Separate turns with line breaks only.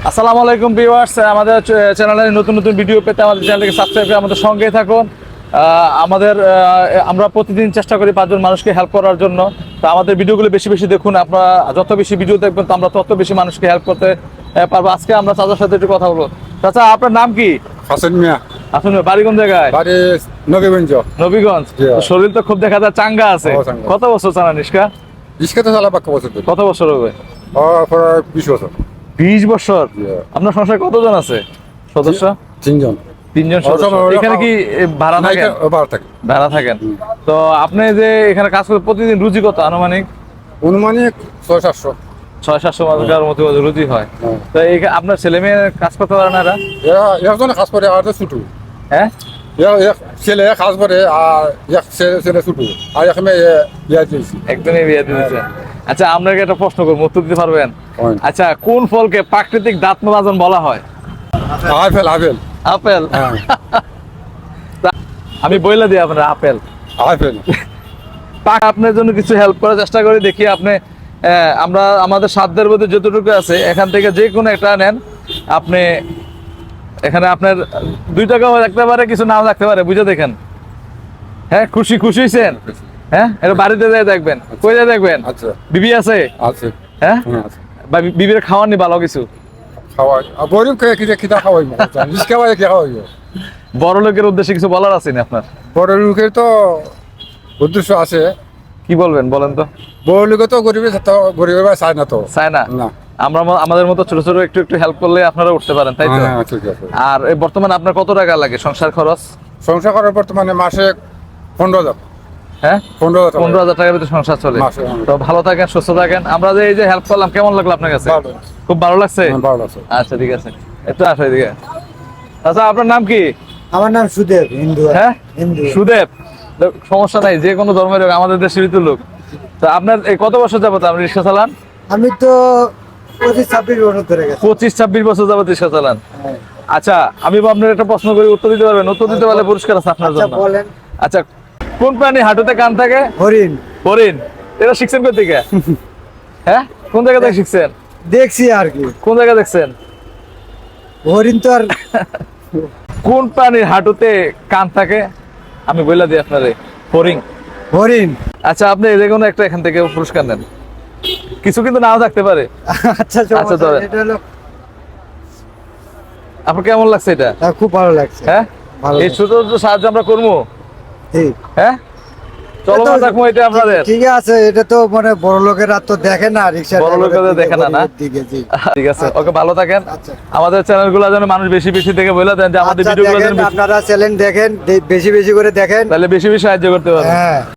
আসসালামু আলাইকুম ভিউয়ার্স, আমাদের চ্যানেলে নতুন নতুন ভিডিও পেতে আমাদের চ্যানেলকে সাবস্ক্রাইব করে আমাদের সঙ্গেই থাকুন। আমরা প্রতিদিন চেষ্টা করি 5 জন মানুষকে হেল্প করার জন্য। তো আমাদের ভিডিওগুলো বেশি বেশি দেখুন। আপনারা যত বেশি ভিডিও দেখবেন তো আমরা তত বেশি মানুষকে হেল্প করতে পারবো। আজকে আমরা চাচার সাথে একটু কথা বলবো। চাচা, আপনার নাম কি?
হাসান মিয়া।
আসুন, বাড়ি কোন জায়গায়?
বাড়ি নবীগঞ্জ।
নবীগঞ্জ। তো শরীর তো খুব দেখা যায় চাঙ্গা আছে।
চাঙ্গা।
কত বছর চালান রিক্সা?
রিক্সা তো চালা পাক্কা বছর ধরে।
কত বছর হবে?
প্রায় 20 বছর।
20 বছর।
Yeah.
আপনার সংসারে কতজন আছে সদস্য?
3 জন।
3 জন সদস্য। এখানে কি ভাড়া থাকেন?
ভাড়া থাকে।
ভাড়া থাকেন। তো আপনি যে এখানে কাজ করেন প্রতিদিন রুজি কত আনুমানিক?
অনুমানিক 600-700।
600-700 টাকার মতো রুজি হয়।
হ্যাঁ।
তো এই আপনার ছেলে মেয়ে কাজ করতে পারে না এরা?
একজনে কাজ করে আর ছোট।
হ্যাঁ,
এক ছেলে কাজ করে আর এক ছেলে ছোট আর এক মেয়ে ইয়া দিয়েছি।
একদমই বিয়ে দিয়েছে। আচ্ছা, আপনাকে একটা প্রশ্ন করবো, উত্তর দিতে পারবেন?
হয়।
আচ্ছা, কোন ফলকে প্রাকৃতিক দাঁত মাজন বলা হয়?
Apple apple
apple.
হ্যাঁ।
আমি বইলা দিই আপনার আপেল।
আপেল
আপনার জন্য কিছু হেল্প করার চেষ্টা করি, দেখি আপনি আমরা আমাদের সাধ্যের মধ্যে যতটুকু আছে এখান থেকে যে কোনো একটা নেন। আপনি এখানে আপনার 2 টাকাও রাখতে পারে, কিছু নাও রাখতে পারে, বুঝে দেখেন। হ্যাঁ, খুশি হয়েছেন? হ্যাঁ, এটা বাড়িতে যাই দেখবেন। কই যাই দেখবেন?
আচ্ছা
বিবি আছে?
আছে।
হ্যাঁ,
আছে।
বা বিবির খাওয়াননি ভালো কিছু?
খাওয়াই গরিব কে খিদা খাওয়াই রিক্সা খাওয়াই কে খাওয়াই।
বড় লোকের উদ্দেশ্যে কিছু বলার আছে না আপনার?
বড় লোকের তো উদ্দেশ্য আছে।
কি বলবেন বলেন তো?
বড় লোকে তো গরিবের চায় না তো।
চায় না?
না।
আমরা আমাদের মতো ছোট ছোট একটু একটু হেল্প করলে আপনারা উঠতে পারেন, তাই তো?
হ্যাঁ, ঠিক আছে।
আর এই বর্তমানে আপনার কত টাকা লাগে সংসার খরচ?
সংসার করার বর্তমানে মাসে 15,000।
হ্যাঁ,
15,000।
15,000 টাকার ভিতরে সংসার চলে।
মাসে, হ্যাঁ।
তো ভালো থাকেন, সুস্থ থাকেন। আমরা যে এই যে হেল্প করলাম, কেমন লাগলো আপনার কাছে?
ভালো।
খুব ভালো লাগছে?
হ্যাঁ, ভালো আছে।
আচ্ছা, ঠিক আছে, একটু আসো এদিকে। আচ্ছা, আপনার নাম কি?
আমার নাম সুদেব, হিন্দু।
হ্যাঁ,
হিন্দু।
সুদেব। সমস্যা নাই, যে কোনো ধর্মের লোক, আমাদের দেশের লোক। তো আপনার এই কত বছর যাবত আপনি রিক্সা চালান?
আমি তো 25-26 বছর ধরে গেছি।
25-26 বছর যাবত রিক্সা চালান।
হ্যাঁ।
আচ্ছা, আমি আপনার একটা প্রশ্ন করি, উত্তর দিতে পারবেন? উত্তর দিতে পারলে পুরস্কার আছে আপনার
আচ্ছা,
জন্য।
বলেন।
আচ্ছা, কোন প্রাণী হাঁটুতে কান থাকে?
হরিণ।
হরিণ। এটা শিখছেন কোথা থেকে? হ্যাঁ, কোন জায়গা থেকে শিখছেন?
দেখছি আর কি।
কোন জায়গা দেখছেন?
হরিণ তো আর
কোন প্রাণীর হাঁটুতে কান থাকে? আমি বলে দিই আপনারে, হরিণ।
হরিণ।
আচ্ছা, আপনি যে কোনো একটা এখান থেকে পুরস্কার নেন। কিছু কিন্তু নাও থাকতে পারে।
আচ্ছা,
আচ্ছা, ধরেন।
এটা হলো
আপনার কেমন লাগছে এটা?
খুব ভালো লাগছে।
হ্যাঁ,
ভালো
এই
লাগছে।
ছোট ছোট সাহায্য আমরা করবো।
ঠিক।
হ্যাঁ, চলো দেখবো এটা আপনাদের।
ঠিক আছে, এটা তো মানে বড় লোকেরা তো দেখে না, রিক্সা
বড় লোকেরা দেখে না, না?
দিকে জি।
ঠিক আছে, ওকে, ভালো থাকেন।
আচ্ছা।
আমাদের চ্যানেলগুলো যেন মানুষ বেশি বেশি দেখে বলে দেন যে আমাদের
আচ্ছা,
ভিডিওগুলো যেন
দেখেন, আপনারা চ্যানেল দেখেন, বেশি বেশি করে দেখেন,
তাহলে বেশি বেশি সাহায্য করতে পারবেন।
হ্যাঁ।